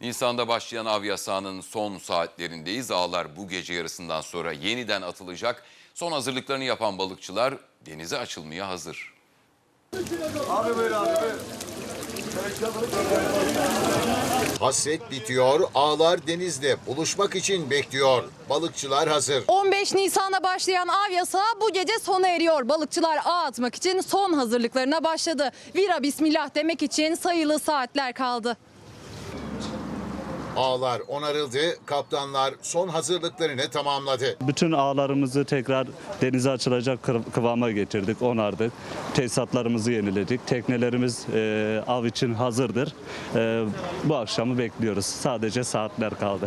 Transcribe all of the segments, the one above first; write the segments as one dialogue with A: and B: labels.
A: Nisan'da başlayan av yasağının son saatlerindeyiz. Ağlar bu gece yarısından sonra yeniden atılacak. Son hazırlıklarını yapan balıkçılar denize açılmaya hazır.
B: Abi böyle abi.
C: Hasret bitiyor, ağlar denizde buluşmak için bekliyor. Balıkçılar hazır.
D: 15 Nisan'a başlayan av yasağı bu gece sona eriyor. Balıkçılar ağ atmak için son hazırlıklarına başladı. Vira bismillah demek için sayılı saatler kaldı.
C: Ağlar onarıldı, kaptanlar son hazırlıklarını tamamladı.
E: Bütün ağlarımızı tekrar denize açılacak kıvama getirdik, onardık. Tesisatlarımızı yeniledik. Teknelerimiz av için hazırdır. Bu akşamı bekliyoruz. Sadece saatler kaldı.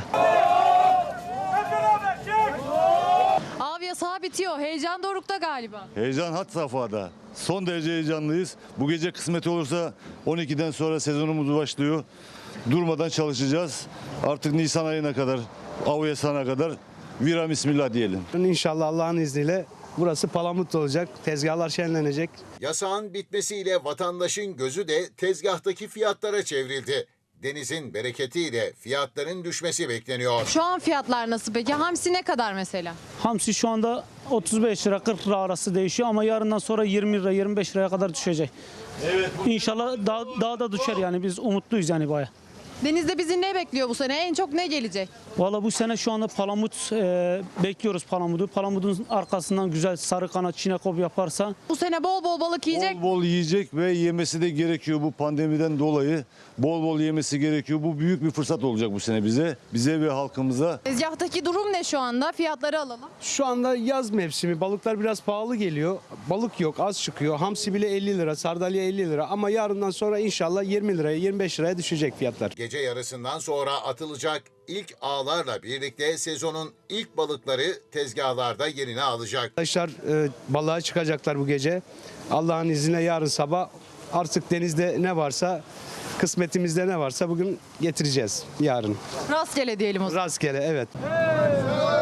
D: Av yasağı bitiyor. Heyecan dorukta galiba.
F: Heyecan had safhada. Son derece heyecanlıyız. Bu gece kısmet olursa 12'den sonra sezonumuz başlıyor. Durmadan çalışacağız. Artık Nisan ayına kadar, av yasağına kadar vira bismillah diyelim.
G: İnşallah Allah'ın izniyle burası palamut olacak. Tezgahlar şenlenecek.
C: Yasağın bitmesiyle vatandaşın gözü de tezgahtaki fiyatlara çevrildi. Denizin bereketiyle fiyatların düşmesi bekleniyor.
D: Şu an fiyatlar nasıl peki? Hamsi ne kadar mesela?
H: Hamsi şu anda 35 lira 40 lira arası değişiyor ama yarından sonra 20 lira 25 liraya kadar düşecek. Evet. İnşallah daha da düşer yani biz umutluyuz yani baya.
D: Denizde bizi ne bekliyor bu sene? En çok ne gelecek?
H: Valla bu sene şu anda palamut bekliyoruz palamudu. Palamudun arkasından güzel sarı kanat çinekop yaparsa.
D: Bu sene bol bol balık yiyecek.
F: Bol bol yiyecek ve yemesi de gerekiyor bu pandemiden dolayı. Bol bol yemesi gerekiyor. Bu büyük bir fırsat olacak bu sene bize ve halkımıza.
D: Tezgahtaki durum ne şu anda? Fiyatları alalım.
G: Şu anda yaz mevsimi. Balıklar biraz pahalı geliyor. Balık yok, az çıkıyor. Hamsi bile 50 lira, sardalya 50 lira. Ama yarından sonra inşallah 20 liraya, 25 liraya düşecek fiyatlar.
C: Gece yarısından sonra atılacak ilk ağlarla birlikte sezonun ilk balıkları tezgahlarda yerini alacak.
G: Arkadaşlar balığa çıkacaklar bu gece. Allah'ın izniyle yarın sabah artık denizde ne varsa, kısmetimizde ne varsa bugün getireceğiz yarın.
D: Rastgele diyelim o zaman.
G: Rastgele, evet.